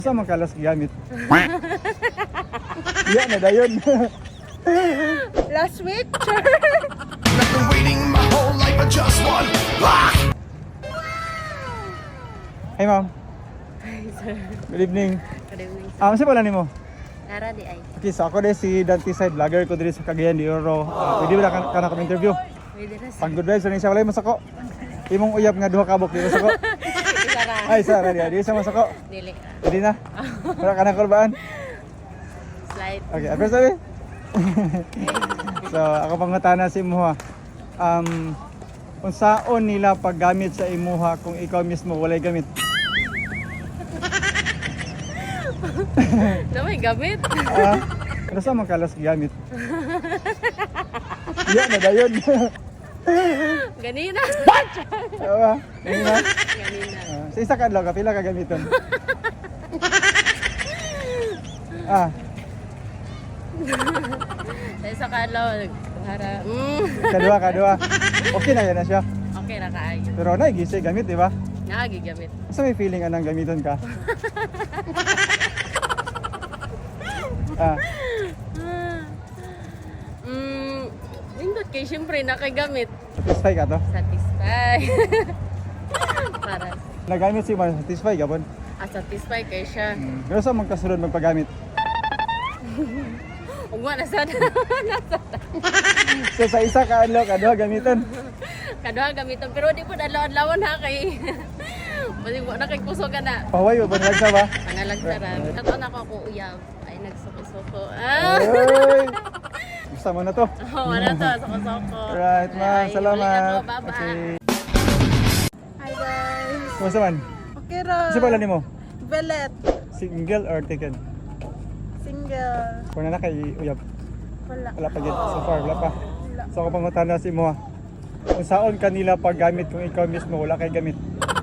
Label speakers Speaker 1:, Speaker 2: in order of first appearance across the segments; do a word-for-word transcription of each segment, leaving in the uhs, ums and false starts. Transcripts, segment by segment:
Speaker 1: Sa makalas gamit. Iya na dayon.
Speaker 2: Last week,
Speaker 3: I've been waiting my whole life for just one.
Speaker 1: Hey ma'am,
Speaker 2: Hi, sir.
Speaker 1: good evening.
Speaker 2: Good evening, sir.
Speaker 1: Ah, um, pala nimo?
Speaker 2: Nara di ay.
Speaker 1: Okay, so ako din si Dante Side, vlogger ko diri sa Cagayan de Oro. Uh, pwede ba na ka na interview?
Speaker 2: Pwede na, sir.
Speaker 1: Pang good vibes, ano siya, walay masako. Imong uyab nga duha kabok, di masako.
Speaker 2: Isa ra.
Speaker 1: Ay, sa radio, di sa masako.
Speaker 2: Dili.
Speaker 1: Pwede na. Wala ka na kurbaan.
Speaker 2: Slide.
Speaker 1: Okay, at first sabi. So, ako pangutana si Imuha. Um, kung saan nila paggamit sa Imuha kung ikaw mismo walay gamit?
Speaker 2: Na may gamit.
Speaker 1: Ah, ano sa makalas gamit? Iya na dayon.
Speaker 2: Ganina.
Speaker 1: Oo, ganun na.
Speaker 2: Ganina.
Speaker 1: Ah, sa isa ka adlaw ka pila ka gamiton? Ah,
Speaker 2: Sa isa ka adlaw, para. Mm.
Speaker 1: kadua kadua. Okay na yan na siya.
Speaker 2: Okay ra kaayo.
Speaker 1: Pero naigisi gamit, di ba?
Speaker 2: Nagigamit.
Speaker 1: Sa may feeling anang gamiton ka? Ah,
Speaker 2: Mm, indot kay syempre nakagamit.
Speaker 1: satisfy ka to?
Speaker 2: Satisfy. Para
Speaker 1: Nagamit si man satisfy gabon.
Speaker 2: ah, satisfy kay siya.
Speaker 1: Hmm. Pero sa magkasunod magpagamit.
Speaker 2: Ug wala sad.
Speaker 1: So sa isa ka adlaw kadua gamiton.
Speaker 2: Kaduha gamiton pero di po adlaw-adlawon ha kay. Basi mo na kay puso ka na.
Speaker 1: Paway ba banlag sa ba?
Speaker 2: Pangalag sarap. Kato na ko ako uyab. Ay nagsuko-suko. Ah.
Speaker 1: Ay. Gusto mo na to.
Speaker 2: Oh, wala to, suko-suko.
Speaker 1: Right, ma'am.
Speaker 2: Ay,
Speaker 1: Salamat.
Speaker 2: ulit ako, baba.
Speaker 1: Okay.
Speaker 2: Hi guys.
Speaker 1: Kumusta man?
Speaker 2: Okay ra.
Speaker 1: Kasi pala nimo?
Speaker 2: Velet.
Speaker 1: Single or taken?
Speaker 2: Single.
Speaker 1: Kung na kay uyab.
Speaker 2: Wala.
Speaker 1: Wala pa yet. So far, wala pa.
Speaker 2: Wala.
Speaker 1: So ako pangutana si mo. Kung saan kanila paggamit kung ikaw mismo wala kay gamit?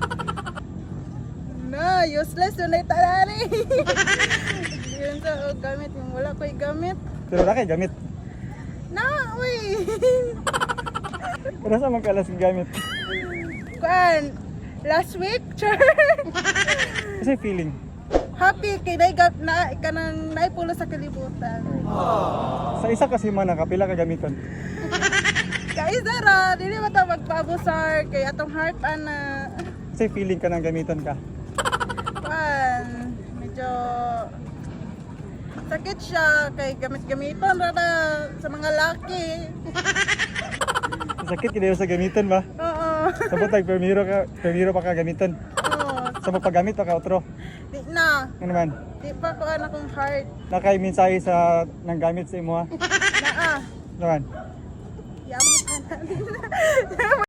Speaker 2: Na, useless yun ay tarari. Yun sa oh, gamit yung wala ko'y gamit.
Speaker 1: Pero wala kay gamit.
Speaker 2: Na, uy.
Speaker 1: Pero sa magkalas ng gamit?
Speaker 2: Kuan, last week, char.
Speaker 1: Kasi feeling.
Speaker 2: Happy kay na na kanang naipulo sa kalibutan.
Speaker 1: Sa isa kasi man nakapila ka gamiton.
Speaker 2: Kay Zara, dili ba ta magpabusar kay atong heart ana.
Speaker 1: Kasi feeling ka ng gamiton ka.
Speaker 2: Kuan, medyo sakit siya kay gamit-gamiton ra na sa mga laki.
Speaker 1: Sakit kinayo sa gamiton ba?
Speaker 2: Oo.
Speaker 1: Sabot tag permiro ka, permiro pa ka gamiton.
Speaker 2: Oo.
Speaker 1: Sa magpagamit pa ka otro.
Speaker 2: Di na.
Speaker 1: Ano naman?
Speaker 2: Di pa ko anak kong heart.
Speaker 1: Nakay mensahe sa nang gamit sa imo ha.
Speaker 2: Naa.
Speaker 1: Naman.
Speaker 2: Yamang kanan.